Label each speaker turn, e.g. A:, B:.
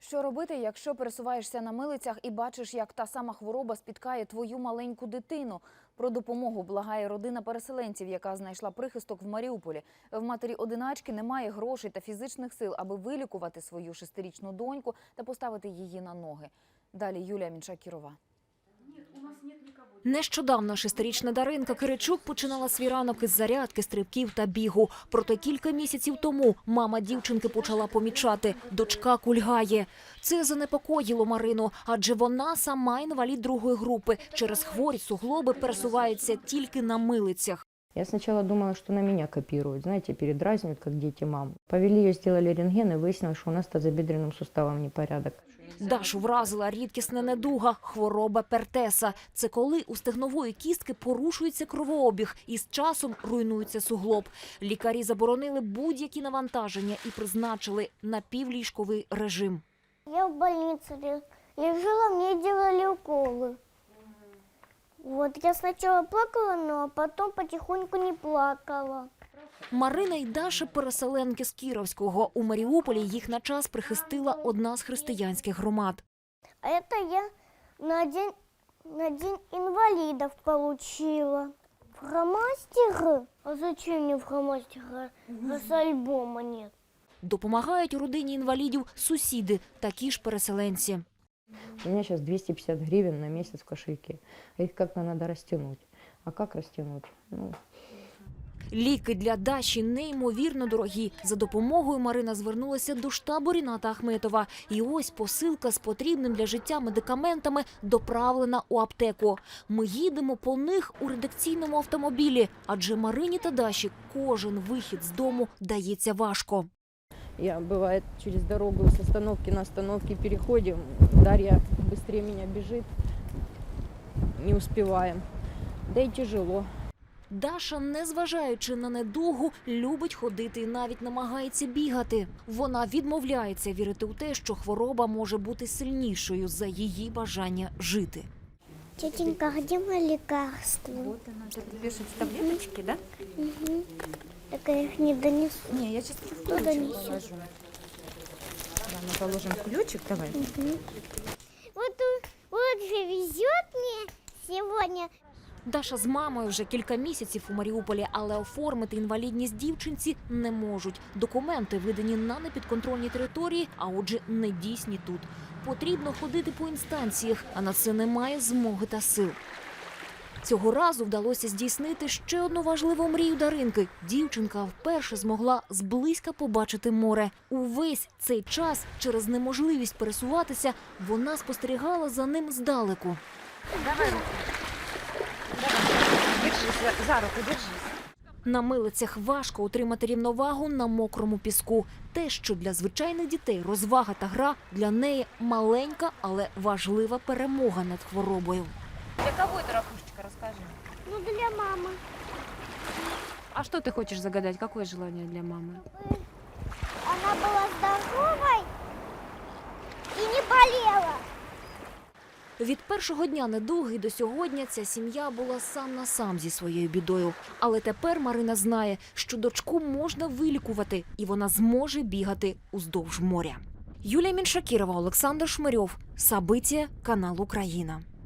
A: Що робити, якщо пересуваєшся на милицях і бачиш, як та сама хвороба спіткає твою маленьку дитину? Про допомогу благає родина переселенців, яка знайшла прихисток в Маріуполі. В матері-одиначки немає грошей та фізичних сил, аби вилікувати свою 6-річну доньку та поставити її на ноги. Далі Юлія Міншакірова.
B: Нещодавно 6-річна Даринка Киричук починала свій ранок із зарядки, стрибків та бігу. Проте кілька місяців тому мама дівчинки почала помічати – дочка кульгає. Це занепокоїло Марину, адже вона сама інвалід другої групи. Через хворі суглоби пересувається тільки на милицях.
C: Я сначала думала, что на меня копируют, знаете, передразнивают, как дети мам. Повели ее, сделали рентген, и выяснилось, что у нас с тазобедренным суставом непорядок.
B: Дашу вразила рідкісна недуга – хвороба Пертеса. Це коли у стегнової кістки порушується кровообіг і з часом руйнується суглоб. Лікарі заборонили будь-які навантаження і призначили напівліжковий режим.
D: Я в больнице лежала, мне делали уколы. Вот, я сначала плакала, но потом потихоньку не плакала.
B: Марина і Даша – переселенки з Кіровського. У Маріуполі їх на час прихистила одна з християнських громад.
D: А это я на день инвалидов получила. Фломастеры? А зачем мне фломастеры, раз альбома нет?
B: Допомагають у родині інвалідів сусіди, такі ж переселенці.
C: У меня сейчас 250 гривен на месяц в кошельке. Их как-то надо растянуть. А как растянуть?
B: Ліки для Даші неймовірно дорогі. За допомогою Марина звернулася до штабу Ріната Ахметова. І ось посилка з потрібним для життя медикаментами доправлена у аптеку. Ми їдемо по них у редакційному автомобілі, адже Марині та Даші кожен вихід з дому дається важко.
C: Я, бывает, через дорогу с остановки на остановке переходим. Дарья быстрее меня бежит. Не успеваем. Да и тяжело.
B: Даша, незважаючи на недугу, любить ходити і навіть намагається бігати. Вона відмовляється вірити у те, що хвороба може бути сильнішою за її бажання жити.
D: Тетенька, где мои лекарства?
A: Вот она, ты пишешь таблеточки, да?
D: Угу. Так я их не донесу.
A: Не, я сейчас в
D: Кто донесет?
A: положу. Да, мы положим ключик, давай.
D: Вот же везет мне сегодня.
B: Даша з мамою вже кілька місяців у Маріуполі, але оформити інвалідність дівчинці не можуть. Документи видані на непідконтрольній території, а отже не дійсні тут. Потрібно ходити по інстанціях, а на це немає змоги та сил. Цього разу вдалося здійснити ще одну важливу мрію Даринки. Дівчинка вперше змогла зблизька побачити море. Увесь цей час через неможливість пересуватися вона спостерігала за ним здалеку.
A: Давай руку. Давай. Держись, за руку держись.
B: На милицях важко утримати рівновагу на мокрому піску. Те, що для звичайних дітей розвага та гра, для неї маленька, але важлива перемога над хворобою.
A: Для кого это ракушечка, расскажи.
D: Ну, для мамы.
A: А что ты хочешь загадать? Какое желание для мамы?
D: Она была здоровой и не болела.
B: Від першого дня недуги до сьогодні ця сім'я була сам на сам зі своєю бідою. Але тепер Марина знає, що дочку можна вилікувати, і вона зможе бігати уздовж моря. Юлія Міншакірова, Олександр Шмирьов. Сабиття, канал Україна.